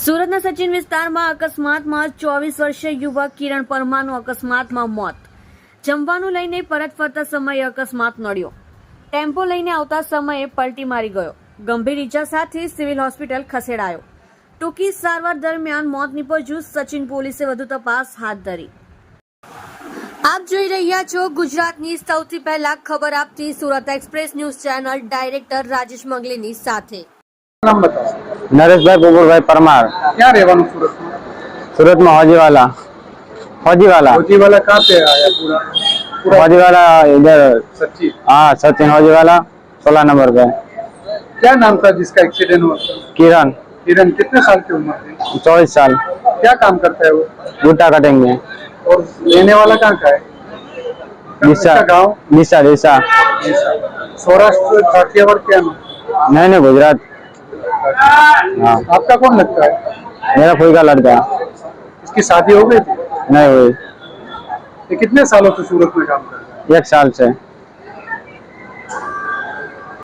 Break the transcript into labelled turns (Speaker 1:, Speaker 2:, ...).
Speaker 1: સુરતના સચિન વિસ્તારમાં અકસ્માતમાં 24 વર્ષીય યુવક કિરણ પરમારનું અકસ્માતમાં મોત. જમવાનું લઈને પરત ફરતા સમયે અકસ્માત નડ્યો. ટેમ્પો લઈને આવતા સમયે પલટી મારી ગયો. ગંભીર ઈજા સાથે સિવિલ હોસ્પિટલ ખસેડાયો. ટૂંકી સારવાર દરમિયાન મોત નીપજ્યું. સચિન પોલીસે વધુ તપાસ હાથ ધરી. આપ જોઈ રહ્યા છો ગુજરાતની સૌથી પહેલા ખબર આપતી Surat express news channel director Rajesh મંગલીની સાથે.
Speaker 2: नाम बताओ।
Speaker 3: नरेश भाई गोकुल परमार।
Speaker 2: क्या રહેવાનું सूरत में?
Speaker 3: सूरत में हौजीवाला
Speaker 2: फौजीवाला कहाँ पे आया पूरा
Speaker 3: हौजीवाला इधर
Speaker 2: सच्ची?
Speaker 3: हाँ सचिन हौजीवाला 16 नंबर पे।
Speaker 2: क्या नाम था जिसका एक्सीडेंट हुआ?
Speaker 3: किरण
Speaker 2: किरण कितने साल की उम्र थी?
Speaker 3: 24 साल।
Speaker 2: क्या काम करता है वो?
Speaker 3: बूटा कटिंग में।
Speaker 2: और लेने वाला कहाँ का है?
Speaker 3: दिशा
Speaker 2: गाँव
Speaker 3: दिशा दिशा
Speaker 2: सौराष्ट्र काठियावाड़ क्या नाम?
Speaker 3: नहीं गुजरात। हाँ
Speaker 2: आपका कौन लगता है?
Speaker 3: मेरा कोई का लड़का।
Speaker 2: इसकी शादी हो गई थी?
Speaker 3: नहीं हुई।
Speaker 2: ये कितने सालों से सूरत में काम कर रहा है?
Speaker 3: 1 साल से।